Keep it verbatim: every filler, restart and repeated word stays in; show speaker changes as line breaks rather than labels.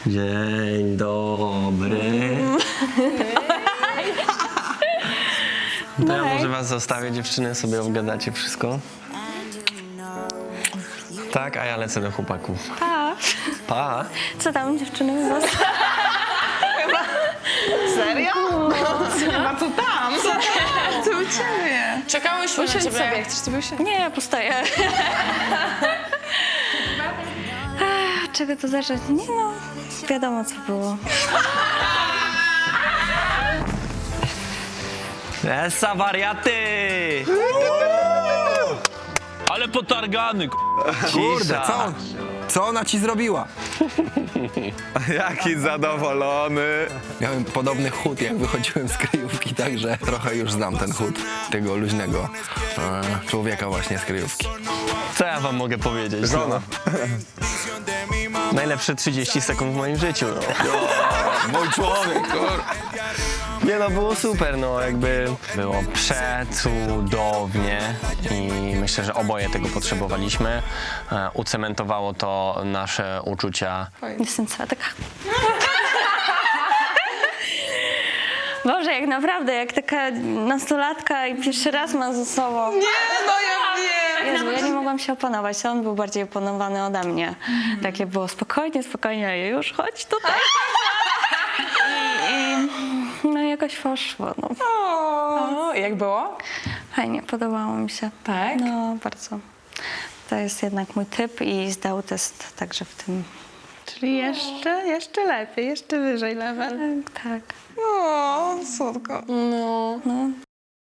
Dzień dobry. To ja może was zostawię, dziewczyny, sobie obgadacie wszystko. Tak, a ja lecę do chłopaków.
Pa.
Pa.
Co tam, dziewczyny, u was?
Serio? Chyba co tam? Co tam? Co u ciebie?
Czekałyśmy na
Usiądź
ciebie.
sobie, chcesz sobie usiąść?
Nie, ja postoję. Ech, czego to zacząć? Nie no, wiadomo co było.
Esa wariaty!
Ale potargany,
Kurde, co, co ona ci zrobiła?
Jaki zadowolony.
Miałem podobny chód, jak wychodziłem z kryjówki, także trochę już znam ten chód tego luźnego e, człowieka właśnie z kryjówki.
Co ja wam mogę powiedzieć?
Żona.
No. Najlepsze trzydzieści sekund w moim życiu, no.
Mój człowiek, kur...
Nie no, było super, no jakby było przecudownie i myślę, że oboje tego potrzebowaliśmy. E, ucementowało to nasze uczucia.
Jestem cała taka... Boże, jak naprawdę, jak taka nastolatka i pierwszy raz ma ze sobą.
Nie, no ja wiem.
Jezu, ja nie mogłam się opanować, on był bardziej opanowany ode mnie. Takie było spokojnie, spokojnie, już chodź tutaj. I, i no jakoś poszło, no.
O, jak było?
Fajnie, podobało mi się.
Tak?
No, bardzo. To jest jednak mój typ i zdał test także w tym.
Czyli jeszcze, jeszcze lepiej, jeszcze wyżej level.
Tak, tak.
O, słodko.
No.
No,